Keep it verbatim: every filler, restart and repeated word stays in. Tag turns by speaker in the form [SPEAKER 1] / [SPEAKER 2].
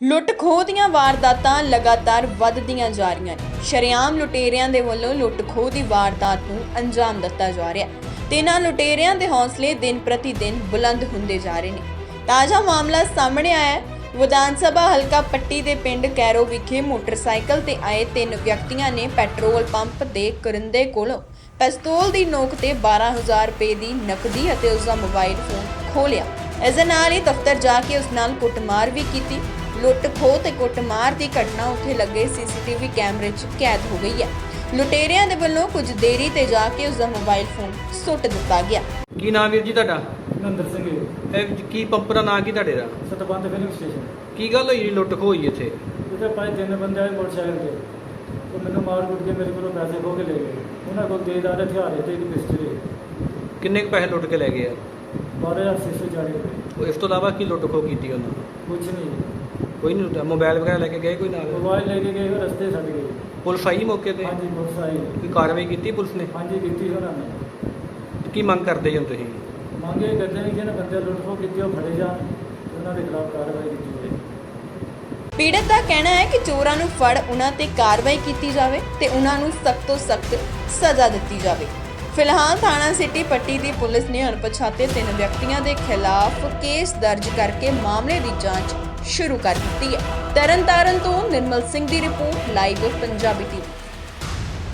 [SPEAKER 1] ਲੁੱਟ ਖੋਹ ਦੀਆਂ ਵਾਰਦਾਤਾਂ ਲਗਾਤਾਰ ਵੱਧਦੀਆਂ ਜਾ ਰਹੀਆਂ ਨੇ। ਸ਼ਰੇਆਮ ਲੁਟੇਰਿਆਂ ਦੇ ਵੱਲੋਂ ਲੁੱਟ ਖੋਹ ਦੀ ਵਾਰਦਾਤ ਨੂੰ ਅੰਜਾਮ ਦਿੱਤਾ ਜਾ ਰਿਹਾ ਹੈ ਤੇ ਇਹਨਾਂ ਲੁਟੇਰਿਆਂ ਦੇ ਹੌਸਲੇ ਦਿਨ ਪ੍ਰਤੀ ਦਿਨ ਬੁਲੰਦ ਹੁੰਦੇ ਜਾ ਰਹੇ ਨੇ। ਤਾਜ਼ਾ ਮਾਮਲਾ ਸਾਹਮਣੇ ਆਇਆ ਹੈ। ਵਿਧਾਨ ਸਭਾ ਹਲਕਾ ਪੱਟੀ ਦੇ ਪਿੰਡ ਕੈਰੋ ਵਿਖੇ ਮੋਟਰਸਾਈਕਲ ਤੇ ਆਏ ਤਿੰਨ ਵਿਅਕਤੀਆਂ ਨੇ ਪੈਟਰੋਲ ਪੰਪ ਦੇ ਕਰਿੰਦੇ ਕੋਲੋਂ ਪਿਸਤੌਲ ਦੀ ਨੋਕ ਤੇ ਬਾਰਾਂ ਹਜ਼ਾਰ ਰੁਪਏ ਦੀ ਨਕਦੀ ਅਤੇ ਉਸ ਦਾ ਮੋਬਾਈਲ ਫੋਨ ਖੋਹ ਲਿਆ। ਇਸ ਦੇ ਨਾਲ ਹੀ ਦਫ਼ਤਰ ਜਾ ਕੇ ਉਸ ਨਾਲ ਕੁੱਟਮਾਰ ਵੀ ਕੀਤੀ। ਲੁੱਟ ਖੋਹ ਤੇ ਕੁੱਟਮਾਰ ਦੀ ਘਟਨਾ ਉੱਥੇ ਲੱਗੇ ਸੀਸੀਟੀਵੀ ਕੈਮਰੇ 'ਚ ਕੈਦ ਹੋ ਗਈ ਹੈ। ਲੁਟੇਰਿਆਂ ਦੇ ਵੱਲੋਂ ਕੁਝ ਦੇਰੀ ਤੇ ਜਾ ਕੇ ਉਸ ਦਾ ਮੋਬਾਈਲ ਫੋਨ ਸੁੱਟ ਦਿੱਤਾ ਗਿਆ।
[SPEAKER 2] ਕੀ ਨਾਮ ਵੀਰ ਜੀ ਤੁਹਾਡਾ?
[SPEAKER 3] ਨੰਦਰ ਸਿੰਘ ਜੀ,
[SPEAKER 2] ਇਹ ਕੀ ਪੰਪ ਦਾ ਨਾਂ ਕੀ ਤੁਹਾਡੇ ਦਾ?
[SPEAKER 3] ਸਤਬੰਦ ਫਿਲਿੰਗ ਸਟੇਸ਼ਨ।
[SPEAKER 2] ਕੀ ਗੱਲ ਹੋਈ ਲੁੱਟ ਖੋਹ ਹੋਈ ਇੱਥੇ?
[SPEAKER 3] ਉਹਦੇ ਪਾਏ ਤਿੰਨ ਬੰਦੇ ਆਏ ਮੋਟਰਸਾਈਕਲ ਤੇ, ਉਹ ਮੈਨੂੰ ਮਾਰ ਕੁੱਟ ਕੇ ਮੇਰੇ ਕੋਲੋਂ ਪੈਸੇ ਖੋਹ ਕੇ ਲੈ ਗਏ। ਉਹਨਾਂ ਕੋਲ ਤੇਜ਼ਦਾਰ ਹਥਿਆਰ ਤੇ ਇੱਕ ਪਿਸਟਲ ਹੈ।
[SPEAKER 2] ਕਿੰਨੇ ਕੁ ਪੈਸੇ ਲੁੱਟ ਕੇ ਲੈ ਗਏ ਆ?
[SPEAKER 3] ਬਾਰਾਂ ਹਜ਼ਾਰ ਛੇ ਸੌ ਚਾਲੀ ਰੁਪਏ।
[SPEAKER 2] ਉਹ ਇਸ ਤੋਂ ਇਲਾਵਾ ਕੀ ਲੁੱਟ ਖੋਹ ਕੀਤੀ ਉਹਨਾਂ?
[SPEAKER 3] ਕੁਛ ਨਹੀਂ,
[SPEAKER 2] ਕੋਈ ਨਹੀਂ ਲੁੱਟਿਆ। ਮੋਬਾਈਲ ਵਗੈਰਾ ਲੈ ਕੇ ਗਏ ਕੋਈ ਨਾਲ?
[SPEAKER 3] ਮੋਬਾਈਲ ਲੈ ਕੇ ਗਏ, ਉਹ ਰਸਤੇ ਛੱਡ ਗਏ।
[SPEAKER 2] ਪੁਲਿਸ ਆਈ ਮੌਕੇ ਤੇ?
[SPEAKER 3] ਹਾਂਜੀ ਪੁਲਿਸ ਆਈ।
[SPEAKER 2] ਕੋਈ ਕਾਰਵਾਈ ਕੀਤੀ ਪੁਲਿਸ ਨੇ?
[SPEAKER 3] ਹਾਂਜੀ ਕੀਤੀ ਉਹਨਾਂ ਨੇ।
[SPEAKER 2] ਕੀ ਮੰਗ ਕਰਦੇ ਜੀ ਹੁਣ ਤੁਸੀਂ?
[SPEAKER 3] ਮੰਗੇ ਕਰਦੇ ਨੇ ਕਿ ਇਹਨਾਂ ਬੰਦੇ ਲੁੱਟ ਖੋਹ ਕੀਤੀ ਉਹ ਫੜੇ ਜਾਣ, ਉਹਨਾਂ ਦੇ ਖਿਲਾਫ ਕਾਰਵਾਈ ਕੀਤੀ ਜਾਵੇ।
[SPEAKER 1] ਪੀੜਤ ਦਾ ਕਹਿਣਾ ਹੈ ਕਿ ਚੋਰਾਂ ਨੂੰ ਫੜ ਉਹਨਾਂ ਤੇ ਕਾਰਵਾਈ ਕੀਤੀ ਜਾਵੇ ਤੇ ਉਹਨਾਂ ਨੂੰ ਸਖਤ ਤੋਂ ਸਖਤ ਸਜ਼ਾ ਦਿੱਤੀ ਜਾਵੇ। ਫਿਲਹਾਲ ਥਾਣਾ ਸਿਟੀ ਪੱਟੀ ਦੀ ਪੁਲਿਸ ਨੇ ਅਣਪਛਾਤੇ ਤਿੰਨ ਵਿਅਕਤੀਆਂ ਦੇ ਖਿਲਾਫ ਕੇਸ ਦਰਜ ਕਰਕੇ ਮਾਮਲੇ ਦੀ ਜਾਂਚ ਸ਼ੁਰੂ ਕਰ ਦਿੱਤੀ ਹੈ। ਤਰਨਤਾਰਨ ਤੋਂ ਨਿਰਮਲ ਸਿੰਘ ਦੀ ਰਿਪੋਰਟ, ਲਾਈਵ ਪੰਜਾਬੀ ਟੀਵੀ।